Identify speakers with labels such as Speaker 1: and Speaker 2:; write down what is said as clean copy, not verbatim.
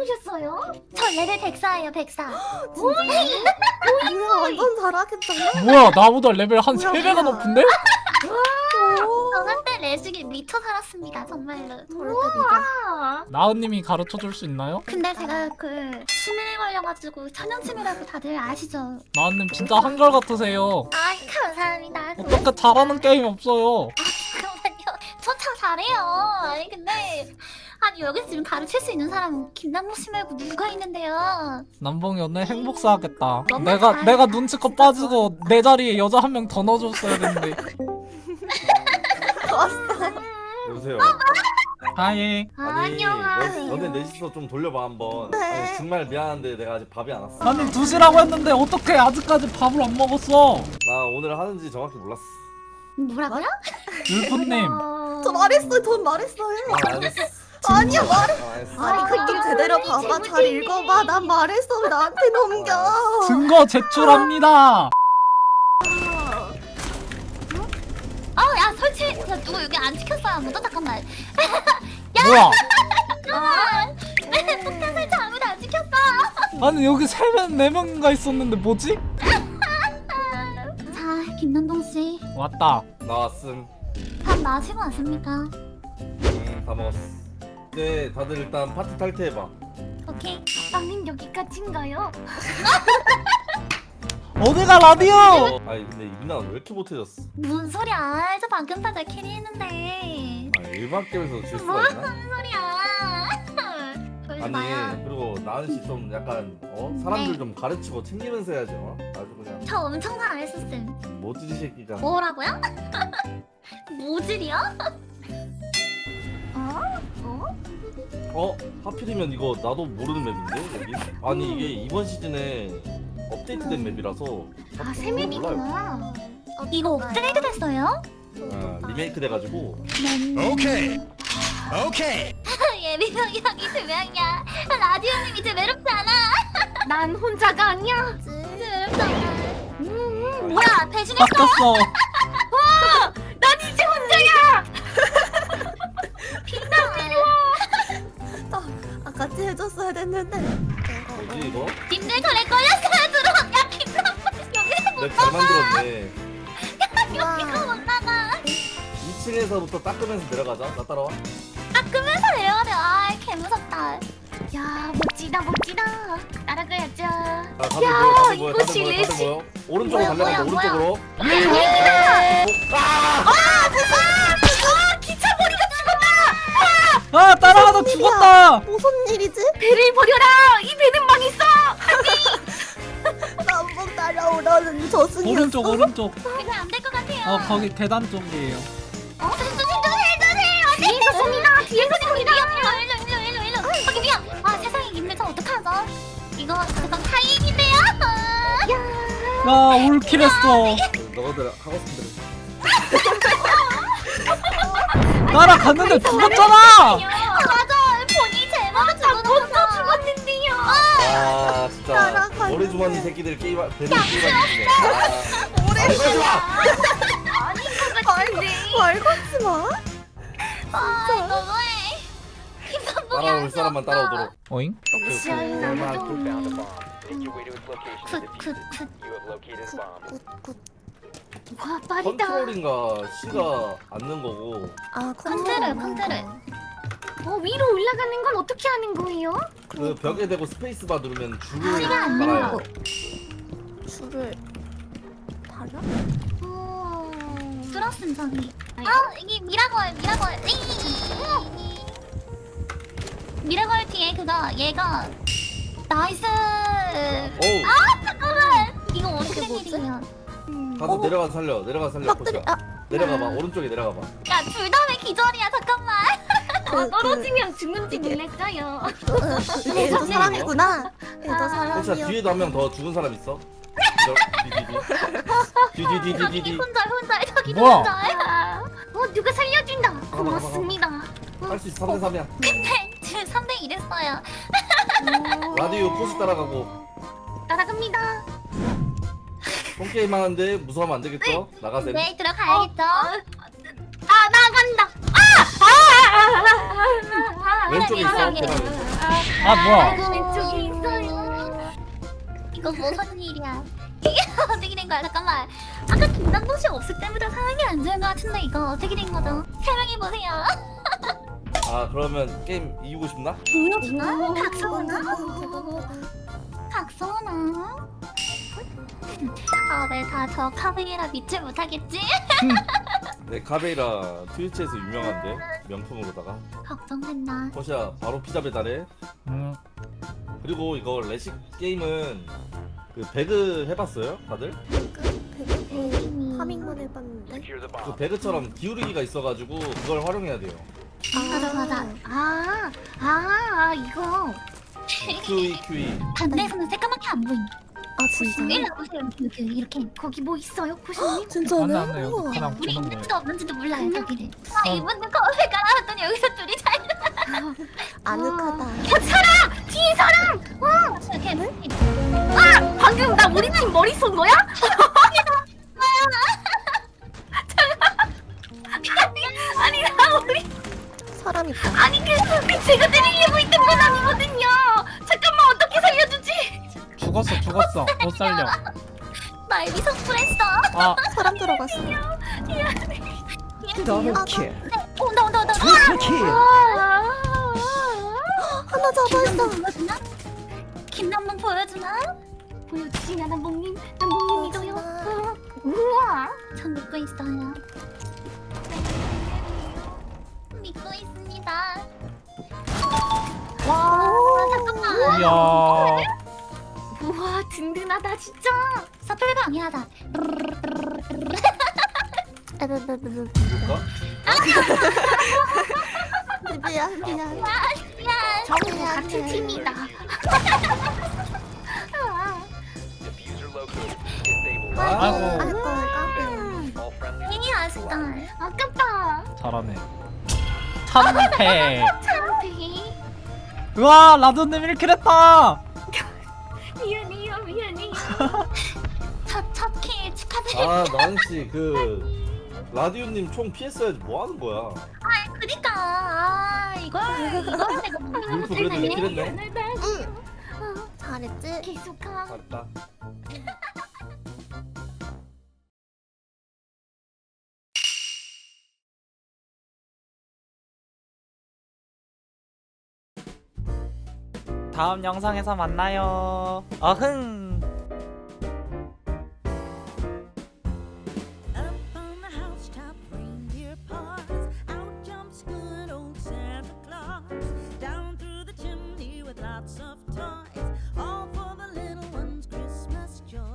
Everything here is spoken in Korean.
Speaker 1: 오셨어요?
Speaker 2: 저 레벨 104예요 104.
Speaker 3: 뭐야 완전 잘하겠다.
Speaker 4: 뭐야 나보다 레벨 한
Speaker 3: 뭐야,
Speaker 4: 3배가
Speaker 3: 뭐야.
Speaker 4: 높은데?
Speaker 2: 저 한때 레식에 미쳐 살았습니다 정말로.
Speaker 3: 저럴 때 네가
Speaker 1: 아,
Speaker 4: 나은님이 가르쳐줄 수 있나요?
Speaker 2: 근데 제가 그 치매에 걸려가지고 천연치매라고 다들 아시죠?
Speaker 4: 나은님 진짜 한결 같으세요.
Speaker 2: 아 감사합니다.
Speaker 4: 어떻게 잘하는 게임이 없어요.
Speaker 2: 잠깐만요. 저 참 잘해요. 아니 근데 아니 여기서 지금 가르칠 수 있는 사람은 김남국 씨 말고 누가 있는데요?
Speaker 4: 남봉이 오늘 행복사 하겠다.
Speaker 2: 너무
Speaker 4: 내가 눈치껏 빠지고 내 자리에 여자 한 명 더 넣어줬어야 되는데.
Speaker 5: 여보세요.
Speaker 4: 하이.
Speaker 5: 아니
Speaker 2: 안녕하세요.
Speaker 5: 너네 넷이서 좀 돌려봐 한번.
Speaker 3: 네.
Speaker 5: 아니, 정말 미안한데 내가 아직 밥이 안 왔어.
Speaker 4: 아니 2시라고 했는데 어떻게 아직까지 밥을 안 먹었어?
Speaker 5: 나 오늘 하는지 정확히 몰랐어.
Speaker 2: 뭐라고요?
Speaker 4: 율프님.
Speaker 3: 저 말했어요. 전 말했어요.
Speaker 5: 아, 알겠어.
Speaker 3: 아니야 말해.
Speaker 5: 알겠어.
Speaker 3: 아니 그좀 제대로 봐봐. 잘 읽어봐. 난 말했어. 왜 나한테 넘겨.
Speaker 4: 증거 제출합니다.
Speaker 2: 야 설치. 야 누구 여기 안 지켰어요 아무도? 잠깐만.
Speaker 4: 뭐야?
Speaker 2: 폭탄 설치 아무도 안 지켰어.
Speaker 4: 아니 여기 3명 4명인가 있었는데 뭐지?
Speaker 2: 자 김남동 씨,
Speaker 4: 왔다.
Speaker 5: 나왔음.
Speaker 2: 밥 마시고 왔습니까?
Speaker 5: 다 먹었어. 네, 다들 일단 파티 탈퇴해봐.
Speaker 2: 오케이.
Speaker 1: 빵님 여기까지인가요?
Speaker 4: 어디가 라디오?
Speaker 5: 아니 근데 이민아 왜 이렇게 못해졌어?
Speaker 2: 뭔 소리야? 저 방금 다 캐리했는데.
Speaker 5: 아 일반 게임에서 질 수가 있나?
Speaker 2: 무슨 소리야? 그러지
Speaker 5: 아니
Speaker 2: 마요.
Speaker 5: 그리고 나은 씨 좀 약간 사람들
Speaker 2: 네.
Speaker 5: 좀 가르치고 챙기면서 해야죠. 아주 그냥
Speaker 2: 저 엄청 잘했었음.
Speaker 5: 모찌 새끼가.
Speaker 2: 뭐라고요? 모질이요?
Speaker 5: 하필이면 이거 나도 모르는 맵인데 여기? 아니 이게 이번 시즌에 업데이트된 맵이라서
Speaker 1: 아, 새
Speaker 5: 몰라요.
Speaker 1: 맵이구나.
Speaker 2: 이거 업그레이드 됐어요?
Speaker 5: 리메이크 돼가지고.
Speaker 6: 오케이. 오케이.
Speaker 2: 예비병이 형이 2명이야. 라디오님 이제 외롭지 않아.
Speaker 1: 난 혼자가 아니야.
Speaker 2: 이제 외롭지 않아. 뭐야 배신했어?
Speaker 4: 바뀌었어.
Speaker 1: 난 이제 혼자야.
Speaker 3: 아 같이 해줬어야 됐는데.
Speaker 5: 뭐지 이거?
Speaker 2: 님들 저래 걸렸어요 들어. 야 김남국 여기서
Speaker 5: 맵 잘 만들었네.
Speaker 2: 여기서 못 나가.
Speaker 5: 2층에서부터 닦으면서 내려가자. 나 따라와.
Speaker 2: 닦으면서 내려야 돼. 아 개무섭다.
Speaker 1: 야 멋지다 멋지다. 따라가야죠.
Speaker 5: 다들
Speaker 1: 야,
Speaker 5: 모여, 다들 모여,
Speaker 1: 이것이
Speaker 5: 다들 모여, 다들
Speaker 1: 레시-
Speaker 5: 모여. 오른쪽으로
Speaker 2: 뭐야,
Speaker 5: 달려간다.
Speaker 2: 뭐야,
Speaker 5: 오른쪽으로.
Speaker 1: 기차머리가 죽었다.
Speaker 4: 아 따라가다 죽었다.
Speaker 3: 무슨 일이지?
Speaker 1: 배를 버려라. 이 배는 망했어.
Speaker 3: 남북 따라오라는 저승이었어.
Speaker 4: 오른쪽 오른쪽.
Speaker 2: 그냥 안 될 것 같아요.
Speaker 4: 거기 계단 쪽이에요.
Speaker 1: 뒤에서 쏩니다. 뒤에서 쏩니다.
Speaker 2: 일로 거기 위험. 아 세상에 님들 저 어떡하죠? 이거 그건 타임인데요.
Speaker 4: 야 올킬했어.
Speaker 5: 너희들 하고 싶은 대로.
Speaker 4: 따라갔는데 죽었잖아.
Speaker 2: 맞아 본인이 제대로 죽었어.
Speaker 1: 죽었는데요.
Speaker 5: 아 진짜
Speaker 3: 따라가는데.
Speaker 5: 머리 주머니 새끼들 게임 배를 게임하네. 오래
Speaker 3: 말 걸지 마.
Speaker 2: 아 너무해. 김선봉이
Speaker 5: 따라올 사람만 따라오도록.
Speaker 4: 어잉?
Speaker 1: 시야에 나무도
Speaker 2: 굿굿굿.
Speaker 3: 굿굿.
Speaker 1: 와 빠르다.
Speaker 5: 컨트롤인가 C가 앉는 거고.
Speaker 3: 아
Speaker 2: 컨트롤.
Speaker 1: 위로 올라가는 건 어떻게 하는 거예요?
Speaker 5: 그 벽에 대고 스페이스바 누르면 줄을
Speaker 2: C가 안
Speaker 5: 달아요.
Speaker 2: 된다고.
Speaker 3: 줄을 달아?
Speaker 2: 들었음 저기. 이게 미라걸. 미라걸 뒤에 그거 얘가 나이스.
Speaker 5: 어우
Speaker 2: 잠깐만. 이거 어떻게 된
Speaker 3: 뭐지?
Speaker 2: 일이야?
Speaker 5: 가서 내려가서 살려.
Speaker 3: 막들이
Speaker 5: 코치야. 내려가봐. 오른쪽에 내려가봐.
Speaker 2: 야 둘 다 왜 기절이야? 잠깐만.
Speaker 1: 떨어지면 죽는지 놀랐어요.
Speaker 3: 얘도 사람이구나. 얘도
Speaker 5: 코치야
Speaker 3: 사람이야.
Speaker 5: 뒤에도 한 명 더 죽은 사람 있어?
Speaker 2: 저기
Speaker 5: 디디디디디디.
Speaker 2: 혼자 저기도
Speaker 4: 뭐야?
Speaker 2: 혼자.
Speaker 1: 누가 살려준다. 고맙습니다.
Speaker 5: 할 수 있어. 3대 3이야.
Speaker 2: 근데 지금 3대 1 했어요.
Speaker 5: 라디오 포스 따라가고.
Speaker 1: 따라갑니다.
Speaker 5: 홈게임 하는데 무서워하면 안 되겠죠? 나가세요.
Speaker 2: 네 들어가야겠죠.
Speaker 1: 나간다.
Speaker 5: 왼쪽에 있어.
Speaker 2: 세상에.
Speaker 4: 아 뭐야?
Speaker 1: 왼쪽에 있어요.
Speaker 2: 이거 무슨 일이야? 이게 어떻게 된 거야? 잠깐만. 아까 김남동 씨 없을 때보다 상황이 안 좋은 것 같은데 이거 어떻게 된 거죠? 설명해 보세요.
Speaker 5: 아 그러면 게임 이기고 싶나?
Speaker 2: 보여주나? 각성하나? 각성하나? 왜 다 저 카베이라 믿지 못하겠지?
Speaker 5: 네 카베이라 트위치에서 유명한데 명품으로다가.
Speaker 2: 걱정된다.
Speaker 5: 호시야 바로 피자 배달해. 그리고 이거 레식 게임은 그 배그 해봤어요 다들?
Speaker 3: 파밍만 해봤는데.
Speaker 5: 그 배그처럼 기울이기가 있어가지고 그걸 활용해야 돼요.
Speaker 1: 맞아. 이거.
Speaker 5: QE.
Speaker 2: 반대에서는 새까맣게 안 보임.
Speaker 3: 아 진짜?
Speaker 2: 일로 보세요. 이렇게.
Speaker 1: 거기 뭐 있어요, 고수님?
Speaker 3: 진짜네?
Speaker 4: 안돼 여기
Speaker 3: 우와.
Speaker 4: 그냥
Speaker 2: 우리
Speaker 4: 보는
Speaker 2: 있는지도
Speaker 4: 거예요.
Speaker 2: 없는지도 몰라요 여기를. 이분들 커피 깔아놨더니 여기서 둘이 잘
Speaker 3: 아늑하다.
Speaker 1: 뒤에 사람!
Speaker 2: 이렇게.
Speaker 1: 방금 나 우리 팀 머리 쏜 거야? 아니 나 우리
Speaker 3: 사람 있다.
Speaker 1: 아니 그 제가 때리려고 있던 건 아니거든요. 잠깐만 어떻게 살려주지?
Speaker 4: 죽었어 못 살려.
Speaker 2: 날 미성불했어.
Speaker 4: 아
Speaker 3: 사람 들어갔어.
Speaker 6: Double kill.
Speaker 2: 온다.
Speaker 6: Triple kill.
Speaker 3: 하나 잡아있어.
Speaker 2: 보여주나? 김남동 보여주나?
Speaker 1: 보여주시냐 남봉님? 남봉님 믿어요. 우와.
Speaker 2: 전 믿고 있어요. 믿고 있습니다. 와 잠깐만.
Speaker 4: 이야.
Speaker 1: 우와 든든하다 진짜.
Speaker 2: 사플 방해하자.
Speaker 5: 볼까?
Speaker 3: 미안.
Speaker 2: 미안.
Speaker 1: 저는 같은 팀이다.
Speaker 4: 아이고
Speaker 2: 이 아쉽다.
Speaker 1: 아깝다.
Speaker 4: 잘하네. 참패.
Speaker 1: 참패.
Speaker 4: 우와 라돈님 1킬 했다.
Speaker 1: 미안해요.
Speaker 2: 첫킬 축하드립니다.
Speaker 5: 아 나은씨 그 라디오님 총 피했어야지 뭐하는 거야.
Speaker 2: 그니까 이걸 내가
Speaker 5: 울프 그래도 이렇게 했네.
Speaker 3: 잘했지?
Speaker 1: 계속하.
Speaker 5: 잘했다.
Speaker 4: 다음 영상에서 만나요. 어흥.